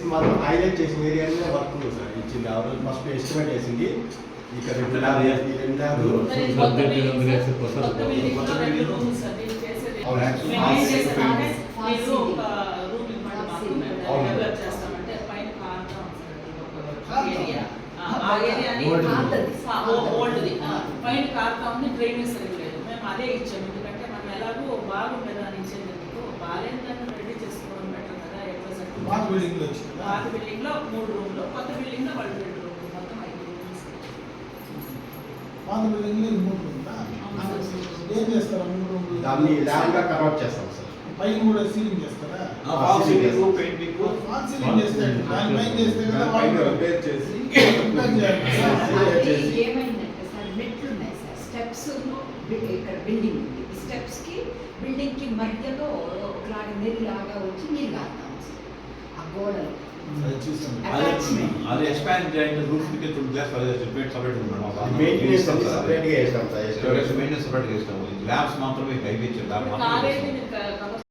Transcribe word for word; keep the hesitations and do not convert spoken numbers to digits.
మాత్రం హైలైట్ చేసిన ఏరియాలో వర్క్ ఉంది సార్. ఇచ్చింది ఆ రోజు ఫస్ట్ ఎస్టిమేట్ వేసింది ఇక్కడ రెండు ల్యాబ్ ఈ రెండు ల్యాబ్ పైన కారుతా ఉంది, డ్రైనేజ్ సరిగ్లేదు. మేము అదే ఇచ్చాము, ఎందుకంటే మనం ఎలాగో బాగుండదు అని ఇచ్చేందుకు బాగాలేని దాన్ని రెడీ చేసుకోవడం బెటర్ కదా. పాత బిల్డింగ్ లో పాత బిల్డింగ్ లో మూడు రూమ్లు, కొత్త బిల్డింగ్ లో వాళ్ళు రెండు రూమ్లు, మొత్తం ఐదు రూమ్స్. పాత బిల్డింగ్ లో మూడు రూమ్లా ఏం చేస్తారు? మూడు రూమ్లు దాన్ని ల్యాబ్ గా కన్వర్ట్ చేస్తాం సార్. పైన కూడా సీలింగ్ చేస్తారా? Fall ceiling, painting, fall ceiling చేస్తారు. దాని పైన చేస్తే కదా పైన రిపేర్ చేసి రిపేర్ చేయాలి. ఏమైందంటే సార్ మెట్లు ఉన్నాయి సార్, స్టెప్స్ ఇక్కడ బిల్డింగ్ ఉంది, ఈ స్టెప్స్ కి బిల్డింగ్ కి మధ్యలో ఒకలాగా నెల్లిలాగా వచ్చి నీళ్ళు కాస్తాం సార్ ఆ గోడలు. అది ఎక్స్పాండ్ చేయండి, రూఫ్ కి టూ గ్లాస్ సెపరేట్ సెపరేట్ ఉన్నాడు. మెయింటెనెన్స్ సెపరేట్ గా చేస్తాం సార్. మెయింటెనెన్స్ సెపరేట్ గా చేస్తాము. ల్యాబ్స్ మాత్రమే హైవే ఇచ్చారు.